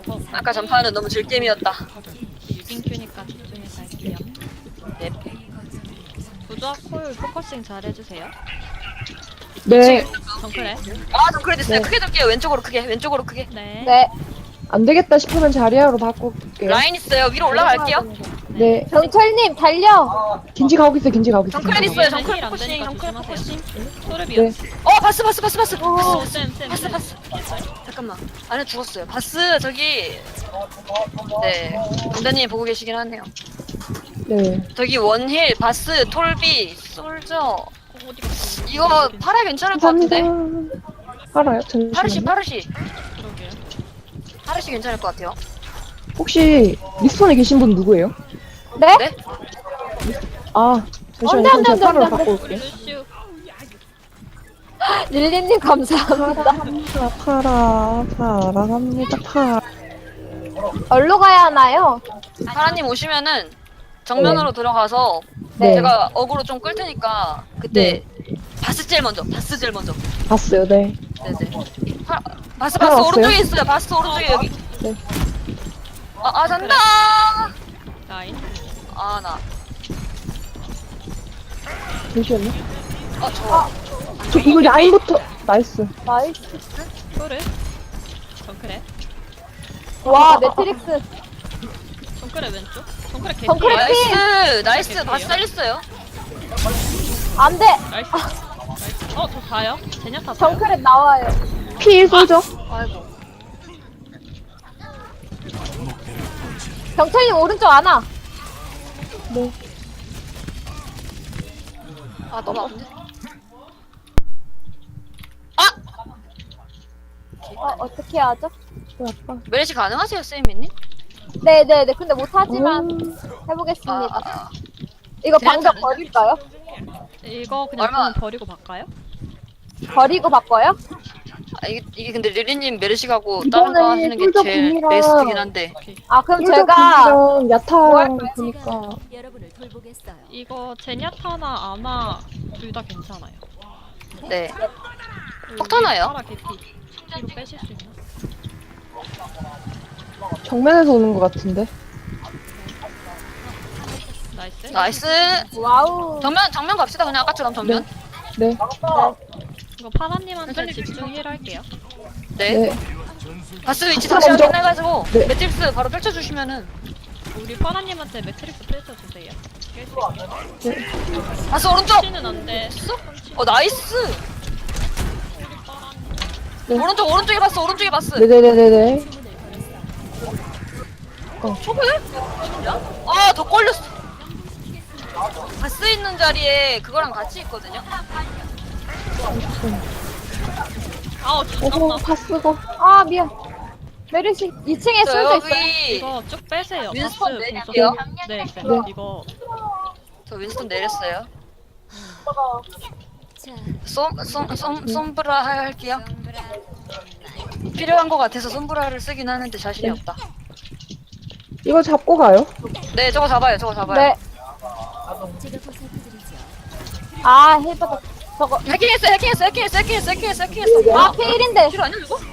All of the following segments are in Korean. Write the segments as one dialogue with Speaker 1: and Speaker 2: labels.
Speaker 1: 아까 전파는 너무 즐겜이었다.
Speaker 2: 6인큐니까 집중해서 할게요.
Speaker 1: 넵.
Speaker 2: 부조화 콜 포커싱 잘 해주세요.
Speaker 3: 네.
Speaker 2: 정크래.
Speaker 1: 아, 좀 그래 됐어요.
Speaker 3: 네.
Speaker 1: 크게 돌게요. 왼쪽으로 크게. 왼쪽으로 크게.
Speaker 2: 네.
Speaker 4: 네.
Speaker 3: 안 되겠다 싶으면 자리아로 바꿀게요.
Speaker 1: 라인 있어요. 위로 올라갈게요.
Speaker 3: 네.
Speaker 4: 경철님 달려.
Speaker 3: 긴지 가고 있어요. 긴지 가고 있어요.
Speaker 1: 정크레
Speaker 3: 긴지
Speaker 1: 있어요.
Speaker 3: 가고
Speaker 1: 정크레
Speaker 2: 힐안
Speaker 1: 포커싱.
Speaker 2: 되니까
Speaker 1: 정크레
Speaker 2: 조심하세요.
Speaker 1: 포커싱.
Speaker 2: 소르비요.
Speaker 3: 네.
Speaker 1: 바스.
Speaker 2: 오, 쌤.
Speaker 1: 바스. 잠깐만. 안에 죽었어요. 바스 저기. 네. 군대님 보고 계시긴 하네요.
Speaker 3: 네.
Speaker 1: 저기 원힐, 바스, 톨비, 솔저.
Speaker 2: 어디 갔어?
Speaker 1: 이거 파라 괜찮을 것
Speaker 3: 감사합니다.
Speaker 1: 같은데?
Speaker 3: 알아요? 잠시만요.
Speaker 1: 파르시.
Speaker 2: 그러게요.
Speaker 1: 파르시 괜찮을 것 같아요.
Speaker 3: 혹시 리스폰에 계신 분 누구예요?
Speaker 4: 네?
Speaker 1: 네?
Speaker 3: 아, 잠시만요.
Speaker 4: 안 돼,
Speaker 3: 그럼 제가
Speaker 4: 안 돼,
Speaker 3: 파라로
Speaker 4: 안 돼.
Speaker 3: 바꿔
Speaker 2: 우리
Speaker 3: 올게요.
Speaker 2: 루슈.
Speaker 4: 릴리님 감사합니다.
Speaker 3: 파랍니다. 파라.
Speaker 4: 어디로 가야 하나요?
Speaker 1: 파라님 오시면은 정면으로 들어가서
Speaker 3: 네.
Speaker 1: 제가 어그로 좀 끌 테니까 그때 바스 제일 먼저.
Speaker 3: 봤어요. 네.
Speaker 1: 네네. 바스
Speaker 3: 파라 왔어요?
Speaker 1: 오른쪽에 있어요. 바스 오른쪽에 여기.
Speaker 3: 네.
Speaker 1: 아 잔다.
Speaker 2: 라인.
Speaker 1: 나.
Speaker 3: 잠시만요.
Speaker 1: 저.
Speaker 3: 저 이거 라인부터 나이스.
Speaker 4: 나이스.
Speaker 2: 소르. 정크래.
Speaker 4: 와 매트릭스.
Speaker 2: 정크래 왼쪽. 정크래 개피.
Speaker 4: 정크래
Speaker 1: 나이스. 바스 살렸어요.
Speaker 4: 안 돼.
Speaker 2: 나이스. 저 자요? 제냐타 자요?
Speaker 4: 정크렛 나와요.
Speaker 3: 피1 쏘죠?
Speaker 1: 아이고.
Speaker 4: 경철님 오른쪽 안아.
Speaker 3: 네.
Speaker 1: 너무 아픈데.
Speaker 4: 어떻게 하죠?
Speaker 3: 저 아빠.
Speaker 1: 메르시 가능하세요, 쌤이님?
Speaker 4: 네네네. 근데 못하지만 해보겠습니다. 이거 방벽 버릴까요?
Speaker 2: 이거 그냥
Speaker 1: 얼마-
Speaker 2: 그냥 버리고 바꿔요?
Speaker 4: 버리고 바꿔요?
Speaker 1: 이게 근데 릴리님 메르시 가고 다른 거
Speaker 3: 이번에
Speaker 1: 하시는 게
Speaker 3: 솔저
Speaker 1: 제일
Speaker 3: 궁이라-
Speaker 1: 베스트긴 한데.
Speaker 4: 아 그럼
Speaker 3: 솔저
Speaker 4: 제가
Speaker 3: 궁이랑 야타랑
Speaker 4: 뭐
Speaker 3: 보니까
Speaker 5: 여러분을 돌보겠어요.
Speaker 2: 이거 제냐타나 아마 둘 다 괜찮아요.
Speaker 1: 네. 폭탄화요?
Speaker 2: 파라 개피. 뒤로 빼실 수 있나?
Speaker 3: 정면에서 오는 것 같은데.
Speaker 2: 나이스.
Speaker 1: 나이스.
Speaker 4: 와우.
Speaker 1: 정면 갑시다. 그냥 아까처럼 정면.
Speaker 3: 네.
Speaker 2: 이거 파라님한테 집중 힐 할게요.
Speaker 1: 네.
Speaker 3: 네.
Speaker 1: 바스 위치
Speaker 3: 바스
Speaker 1: 다시
Speaker 3: 먼저.
Speaker 1: 확인해가지고
Speaker 3: 네.
Speaker 1: 매트릭스 바로 펼쳐주시면은.
Speaker 2: 우리 파라님한테 매트릭스 펼쳐주세요.
Speaker 1: 바스 오른쪽.
Speaker 2: 치는 안 돼.
Speaker 1: 나이스.
Speaker 3: 네.
Speaker 1: 오른쪽에 바스.
Speaker 3: 네네네네네.
Speaker 1: 초보해? 더 걸렸어. 바스 있는 자리에 그거랑 같이 있거든요.
Speaker 2: 아우
Speaker 3: 어허,
Speaker 2: 죽었나?
Speaker 3: 파스고.
Speaker 4: 아 미안. 메르시 2층에
Speaker 1: 저
Speaker 4: 술도 있어요.
Speaker 1: 여기
Speaker 2: 이거 쭉 빼세요.
Speaker 1: 윈스턴
Speaker 2: 바스
Speaker 1: 내릴게요.
Speaker 2: 공속. 네, 네.
Speaker 3: 네.
Speaker 2: 이거
Speaker 1: 저 윈스턴 내렸어요.
Speaker 5: 자,
Speaker 1: 솜브라 할게요. 필요한 것 같아서 솜브라를 쓰긴 하는데 자신이
Speaker 3: 네.
Speaker 1: 없다.
Speaker 3: 이거 잡고 가요.
Speaker 1: 네, 저거 잡아요.
Speaker 4: 네.
Speaker 5: 제가 보살펴드리죠.
Speaker 4: 아 힐받아. 저거.
Speaker 1: 해킹했어.
Speaker 4: 아 페일인데.
Speaker 1: 필요 아니야 이거?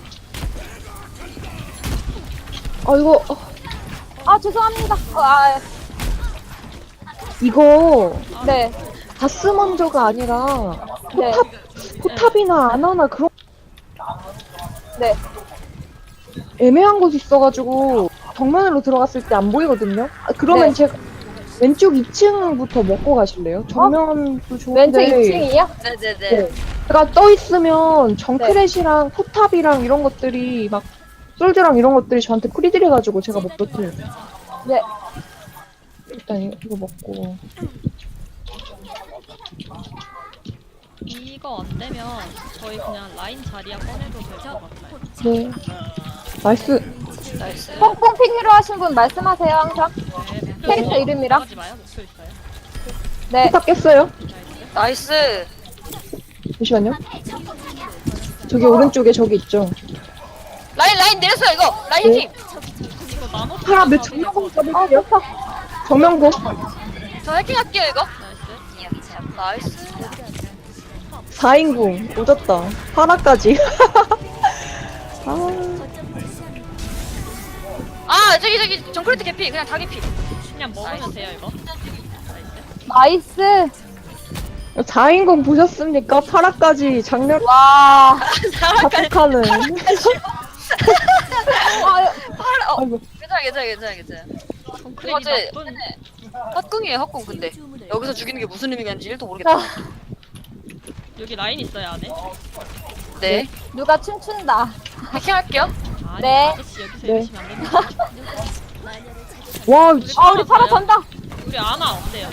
Speaker 3: 이거
Speaker 4: 아 죄송합니다.
Speaker 3: 이거
Speaker 4: 네.
Speaker 3: 바스 먼저가 아니라
Speaker 4: 네.
Speaker 3: 포탑이나 아나나 그런
Speaker 4: 네.
Speaker 3: 애매한 곳이 있어가지고 정면으로 들어갔을 때 안 보이거든요. 그러면
Speaker 4: 네.
Speaker 3: 제가 왼쪽 2층부터 먹고 가실래요? 정면도
Speaker 4: 왼쪽
Speaker 3: 좋은데
Speaker 4: 2층이요?
Speaker 1: 네네네.
Speaker 3: 네. 제가 떠 있으면 정크렛이랑 포탑이랑 이런 것들이 막 솔드랑 이런 것들이 저한테 프리딜해가지고 제가 못 버텨요.
Speaker 4: 네.
Speaker 3: 일단 이거 먹고.
Speaker 2: 이거 안 되면 저희 그냥 라인 자리야 꺼내도 될 것 같아요.
Speaker 3: 네. 나이스.
Speaker 1: 나이스.
Speaker 4: 뽕뽕핑 필요하신 분 말씀하세요 항상.
Speaker 2: 네,
Speaker 4: 캐릭터 이름이랑?
Speaker 2: 하지 마요. 목표 있어요.
Speaker 4: 네.
Speaker 3: 포탑 깼어요?
Speaker 2: 나이스.
Speaker 1: 나이스.
Speaker 3: 잠시만요. 저기 오른쪽에 저기 있죠.
Speaker 1: 라인 내렸어요 이거. 라인
Speaker 3: 네.
Speaker 1: 팀.
Speaker 2: 이거 나노
Speaker 3: 파라 몇 정면공
Speaker 4: 아
Speaker 3: 써볼게요.
Speaker 4: 좋다.
Speaker 3: 정면공.
Speaker 1: 저 해킹할게요 이거.
Speaker 2: 나이스.
Speaker 1: 나이스.
Speaker 3: 4인공. 오졌다. 파라까지. 아.
Speaker 1: 아 저기 정크레트 개피 그냥 다 개피.
Speaker 2: 그냥 먹으면
Speaker 1: 나이스.
Speaker 2: 돼요 이거.
Speaker 4: 나이스.
Speaker 3: 4인공 보셨습니까? 파라까지 장렬
Speaker 4: 와.
Speaker 3: 자폭하는.
Speaker 1: 팔아.
Speaker 3: 아이고.
Speaker 1: 괜찮아.
Speaker 2: 정크레이
Speaker 1: 어제
Speaker 2: 나쁜.
Speaker 1: 헛궁이에요 헛궁 근데
Speaker 5: 주문을
Speaker 1: 여기서 죽이는 게 무슨 의미인지 1도 모르겠다.
Speaker 2: 여기 라인 있어요 안에?
Speaker 1: 네.
Speaker 4: 누가 춤춘다.
Speaker 1: 해킹할게요.
Speaker 2: 아니
Speaker 4: 네.
Speaker 2: 아저씨 여기서
Speaker 3: 네.
Speaker 2: 이러시면 안 됩니다.
Speaker 3: 와,
Speaker 4: 아, 우리 파라 전다.
Speaker 2: 우리 아나 어때요?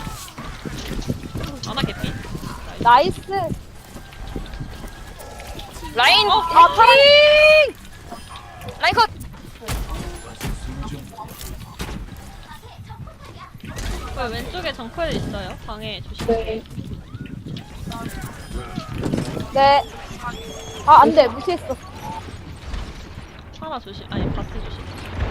Speaker 2: 아나 개피.
Speaker 4: 나이스.
Speaker 1: 라인.
Speaker 4: 아, 파라.
Speaker 1: 라인 컷.
Speaker 2: 그 왼쪽에 정크레 있어요. 방에 조심.
Speaker 3: 네.
Speaker 4: 네. 아, 안 돼. 무시했어.
Speaker 2: 하나 조심. 아니 바스 조심.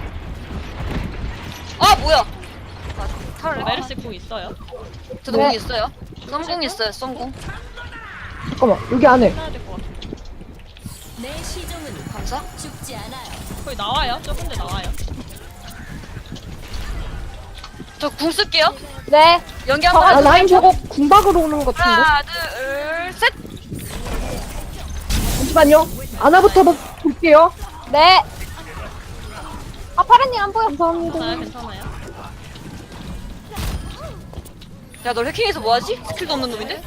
Speaker 1: 아 뭐야? 아, 탈을
Speaker 2: 메르시 궁 있어요.
Speaker 1: 저도
Speaker 4: 네.
Speaker 1: 공 있어요. 썸공 있어요. 썸공.
Speaker 3: 잠깐만, 여기 안에.
Speaker 2: 해야 될 것 같아.
Speaker 5: 내 시종은
Speaker 1: 감사.
Speaker 5: 죽지 않아요.
Speaker 2: 거의 나와요. 조금 더 나와요.
Speaker 1: 저 궁 쓸게요.
Speaker 4: 네.
Speaker 1: 연기 한번.
Speaker 3: 아, 라인 저거 궁박으로 오는 것 같은데?
Speaker 1: 하나 둘 셋.
Speaker 3: 잠시만요. 아나부터 볼게요.
Speaker 4: 네. 아, 파라님 안 보여.
Speaker 3: 감사합니다.
Speaker 2: 괜찮아요.
Speaker 1: 야 너 해킹해서 뭐하지? 스킬도 없는 놈인데?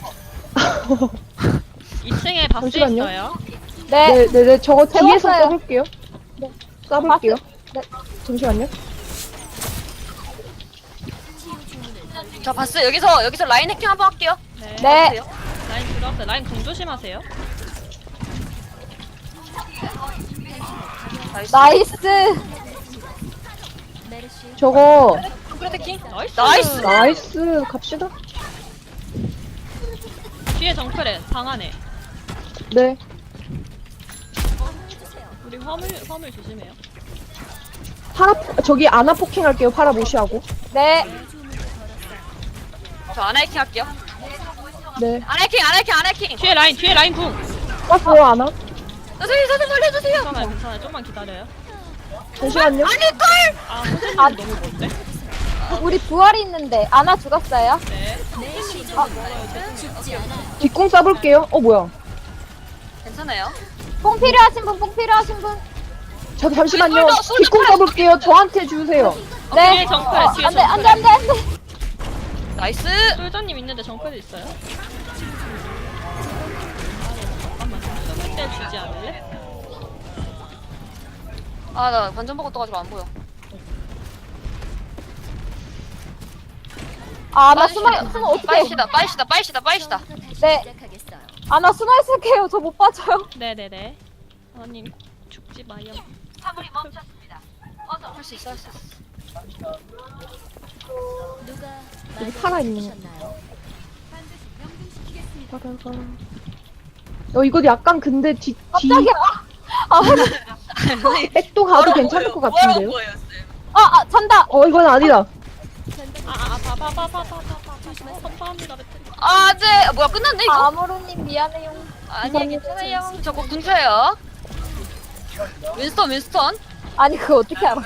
Speaker 2: 2층에 바스
Speaker 3: 잠시만요.
Speaker 2: 있어요.
Speaker 4: 네.
Speaker 3: 네네네, 저거 뒤에서
Speaker 4: 배웠어요.
Speaker 3: 써볼게요. 네, 써볼게요.
Speaker 4: 네.
Speaker 3: 잠시만요.
Speaker 1: 자 봤어 여기서 라인 해킹 한번 할게요.
Speaker 2: 네.
Speaker 4: 네.
Speaker 1: 보세요.
Speaker 2: 라인 들어왔어요. 라인 궁 조심하세요.
Speaker 1: 나이스.
Speaker 4: 나이스.
Speaker 5: 메르시
Speaker 3: 저거,
Speaker 1: 정크레트 해킹.
Speaker 2: 나이스.
Speaker 1: 나이스.
Speaker 3: 나이스, 갑시다.
Speaker 2: 뒤에 정크레 방 안에.
Speaker 3: 네.
Speaker 2: 우리 화물 조심해요.
Speaker 3: 파라, 저기 아나 포킹 할게요. 파라 무시하고.
Speaker 4: 네.
Speaker 1: 저 아나 해킹 할게요.
Speaker 3: 네.
Speaker 1: 아나 해킹.
Speaker 2: 뒤에 라인 궁.
Speaker 3: 왔어요, 아나.
Speaker 1: 선생님 살려주세요.
Speaker 2: 괜찮아요. 좀만 기다려요.
Speaker 3: 잠시만요.
Speaker 1: 아닐걸.
Speaker 2: 아 선생님
Speaker 4: 아.
Speaker 2: 너무 먼데?
Speaker 4: 우리 부활이 있는데 아나 죽었어요.
Speaker 2: 네.
Speaker 5: 내 시종은 죽지 않아요.
Speaker 3: 뒷공 싸볼게요. 뭐야.
Speaker 1: 괜찮아요.
Speaker 4: 뽕 필요하신 분, 뽕 필요하신 분.
Speaker 3: 저 잠시만요.
Speaker 1: 솔더
Speaker 3: 뒷공 싸볼게요. 저한테 주세요.
Speaker 2: 뒤에
Speaker 4: 네.
Speaker 2: 정크레 뒤에
Speaker 4: 안 돼, 안 돼,
Speaker 2: 정크레.
Speaker 4: 안 돼, 안 돼.
Speaker 1: 나이스.
Speaker 2: 솔저님 있는데 정크레 있어요? 잠깐만. 숨을 때 주지 않을래?
Speaker 1: 아 나 반전 보고 떠가지고 안 보여.
Speaker 4: 아, 나 숨어 어떡해.
Speaker 1: 빠이시다.
Speaker 4: 네.
Speaker 5: 시작하겠어요.
Speaker 4: 아, 나 숨어 있을게요. 저 못 빠져요.
Speaker 2: 네네네. 하나님 죽지 마요.
Speaker 1: 할 수 있어.
Speaker 5: 누가
Speaker 3: 여기 파라 있는 거.
Speaker 5: 주셨나요?
Speaker 3: 이거 약간 근데 뒤
Speaker 4: 깜짝이야.
Speaker 3: 백도 가도 괜찮을 것 같은데요?
Speaker 4: 아, 잔다.
Speaker 3: 이건 아니다.
Speaker 2: 바바바바바바바. 선파합니다 배터리.
Speaker 1: 아 안돼. 뭐야 끝났네 이거?
Speaker 4: 아무로님 미안해요.
Speaker 1: 아니 괜찮아요. 저거 궁쳐요. 윈스턴.
Speaker 4: 아니, 그거 어떻게 알아?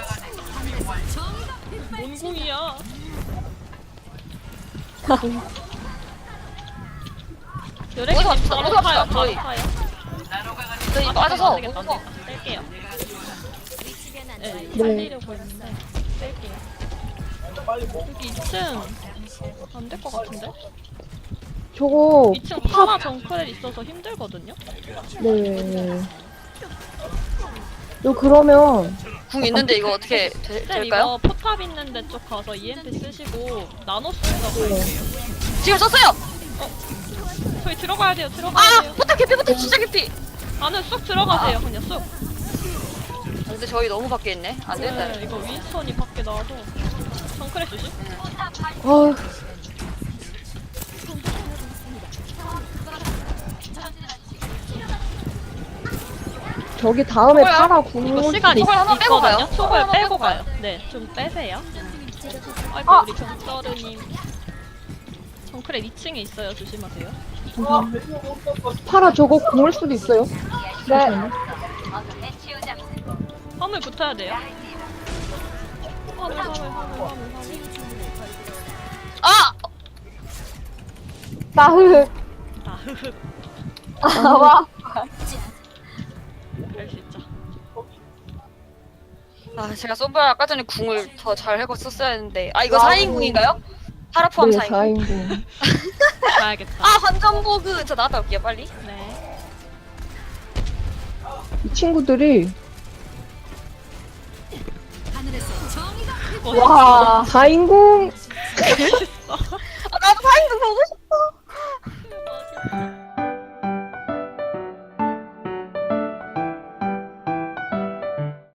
Speaker 2: 뭔 궁이야? 여래기
Speaker 1: 어디서
Speaker 2: 님
Speaker 1: 갑시다,
Speaker 2: 바로
Speaker 1: 어디서
Speaker 2: 타요.
Speaker 1: 갑시다, 저희.
Speaker 2: 바로 타요.
Speaker 1: 저기
Speaker 2: 안
Speaker 1: 빠져서
Speaker 2: 되겠다. 뺄게요.
Speaker 5: 위치변 안
Speaker 2: 네,
Speaker 5: 좋아요.
Speaker 2: 살리려고 했는데 뺄게요. 여기 2층 안 될 것 같은데?
Speaker 3: 저거
Speaker 2: 2층 파마 정크렐 있어서 힘들거든요?
Speaker 3: 네. 그러면
Speaker 1: 궁 있는데 이거 어떻게
Speaker 2: 쌤
Speaker 1: 될까요?
Speaker 2: 이거 포탑 있는 데 쪽 가서 EMP 쓰시고 나노스가 갈게요.
Speaker 1: 지금 썼어요.
Speaker 2: 저희 들어가야 돼요. 들어가야
Speaker 1: 아
Speaker 2: 돼요.
Speaker 1: 포탑 개피 진짜 개피.
Speaker 2: 안에 쑥 들어가세요. 그냥 쑥.
Speaker 1: 근데 저희 너무 밖에 있네. 안 되겠다.
Speaker 2: 네, 이거 윈스턴이 밖에 나와서 정크레 주시?
Speaker 3: 아 저기 다음에
Speaker 1: 뭐야?
Speaker 3: 파라
Speaker 2: 이거
Speaker 3: 궁
Speaker 2: 시간
Speaker 1: 촉을 한번 빼고 가요?
Speaker 2: 있거든요?
Speaker 1: 촉을
Speaker 2: 촉을
Speaker 1: 한번
Speaker 2: 빼고
Speaker 1: 빼고
Speaker 2: 가요. 네, 좀 빼세요. 아이고
Speaker 4: 아.
Speaker 2: 우리 경서르님 정크레 2층에 있어요. 조심하세요.
Speaker 3: 파라 저거 궁을 수도 있어요.
Speaker 4: 네.
Speaker 2: 화물 붙어야 돼요.
Speaker 1: 아!
Speaker 4: 나흑. 와.
Speaker 2: 그럴 수 있죠.
Speaker 1: 아, 제가 솜브라 아까 전에 궁을 더 잘 해고 썼어야 했는데. 아, 이거
Speaker 4: 와,
Speaker 1: 4인궁인가요? 파라 포함
Speaker 3: 네,
Speaker 1: 4인궁.
Speaker 3: 4인분.
Speaker 2: 가야겠다.
Speaker 1: 아, 환전보그. 저 나갔다 올게요, 빨리.
Speaker 2: 네.
Speaker 3: 이 친구들이
Speaker 4: 와.
Speaker 3: 4인공
Speaker 1: 아, 나도 4인궁 보고 싶어.